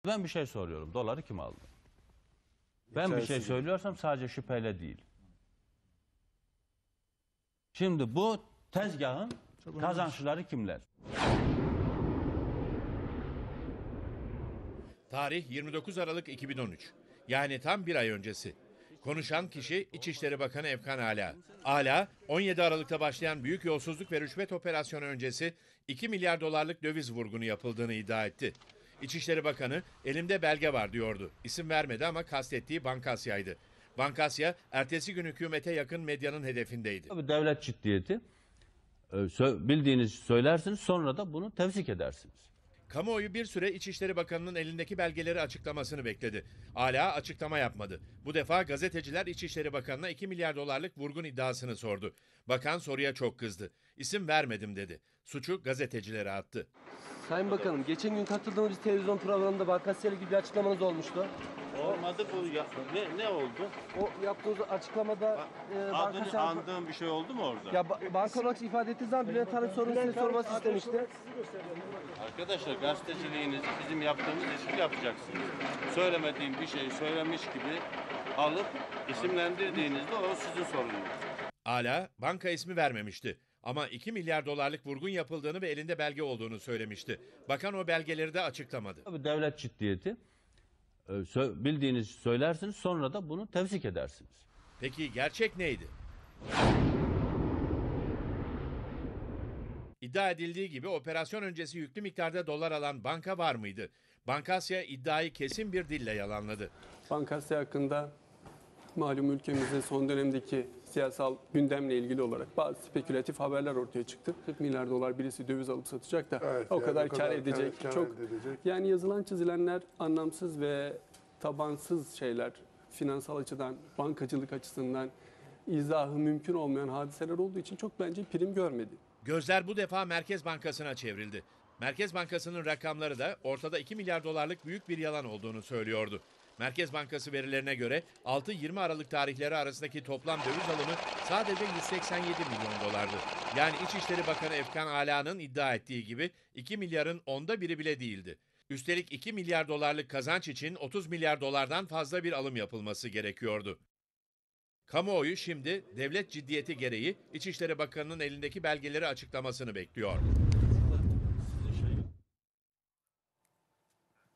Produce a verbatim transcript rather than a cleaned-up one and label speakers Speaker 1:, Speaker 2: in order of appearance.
Speaker 1: Ben bir şey soruyorum. Doları kim aldı? Ben bir şey söylüyorsam sadece şüpheyle değil. Şimdi bu tezgahın kazançları kimler?
Speaker 2: Tarih yirmi dokuz Aralık iki bin on üç. Yani tam bir ay öncesi. Konuşan kişi İçişleri Bakanı Efkan Ala. Ala, on yedi Aralık'ta başlayan büyük yolsuzluk ve rüşvet operasyonu öncesi iki milyar dolarlık döviz vurgunu yapıldığını iddia etti. İçişleri Bakanı elimde belge var diyordu. İsim vermedi ama kastettiği Bankasya'ydı. Bankasya, ertesi gün hükümete yakın medyanın hedefindeydi.
Speaker 1: Tabii devlet ciddiyeti. Bildiğinizi söylersiniz, sonra da bunu tevzik edersiniz.
Speaker 2: Kamuoyu bir süre İçişleri Bakanı'nın elindeki belgeleri açıklamasını bekledi. Hala açıklama yapmadı. Bu defa gazeteciler İçişleri Bakanı'na iki milyar dolarlık vurgun iddiasını sordu. Bakan soruya çok kızdı. İsim vermedim dedi. Suçu gazetecilere attı.
Speaker 3: Sayın Bakanım, geçen gün katıldığımız bir televizyon programında Bankasya ile ilgili bir açıklamanız olmuştu.
Speaker 4: Olmadı bu ya. Ne, ne oldu?
Speaker 3: O yaptığınız açıklamada e,
Speaker 4: Adını
Speaker 3: Bankasya...
Speaker 4: andığım bir şey oldu mu orada?
Speaker 3: Ya ba banka olarak ifade ettiğiniz zaman Bülent Arınç sorunu size sorması istemişti.
Speaker 4: Arkadaşlar gazeteciliğinizi bizim yaptığımız işi yapacaksınız. Söylemediğim bir şeyi söylemiş gibi alıp isimlendirdiğinizde o sizin sorununuz.
Speaker 2: Ala banka ismi vermemişti. Ama iki milyar dolarlık vurgun yapıldığını ve elinde belge olduğunu söylemişti. Bakan o belgeleri de açıklamadı.
Speaker 1: Tabii devlet ciddiyeti. Bildiğinizi söylersiniz, sonra da bunu tevzik edersiniz.
Speaker 2: Peki gerçek neydi? İddia edildiği gibi operasyon öncesi yüklü miktarda dolar alan banka var mıydı? Bankasya iddiayı kesin bir dille yalanladı.
Speaker 5: Bankasya hakkında malum ülkemizde son dönemdeki siyasal gündemle ilgili olarak bazı spekülatif haberler ortaya çıktı. kırk milyar dolar birisi döviz alıp satacak da
Speaker 6: Evet,
Speaker 5: o
Speaker 6: yani
Speaker 5: kadar
Speaker 6: o
Speaker 5: kar
Speaker 6: kadar
Speaker 5: edecek.
Speaker 6: kar- kar
Speaker 5: Çok
Speaker 6: edecek.
Speaker 5: yani yazılan çizilenler anlamsız ve tabansız şeyler. Finansal açıdan, bankacılık açısından izahı mümkün olmayan hadiseler olduğu için çok bence prim görmedi.
Speaker 2: Gözler bu defa Merkez Bankası'na çevrildi. Merkez Bankası'nın rakamları da ortada iki milyar dolarlık büyük bir yalan olduğunu söylüyordu. Merkez Bankası verilerine göre altı yirmi Aralık tarihleri arasındaki toplam döviz alımı sadece yüz seksen yedi milyon dolardı. Yani İçişleri Bakanı Efkan Ala'nın iddia ettiği gibi iki milyarın onda biri bile değildi. Üstelik iki milyar dolarlık kazanç için otuz milyar dolardan fazla bir alım yapılması gerekiyordu. Kamuoyu şimdi devlet ciddiyeti gereği İçişleri Bakanı'nın elindeki belgeleri açıklamasını bekliyor.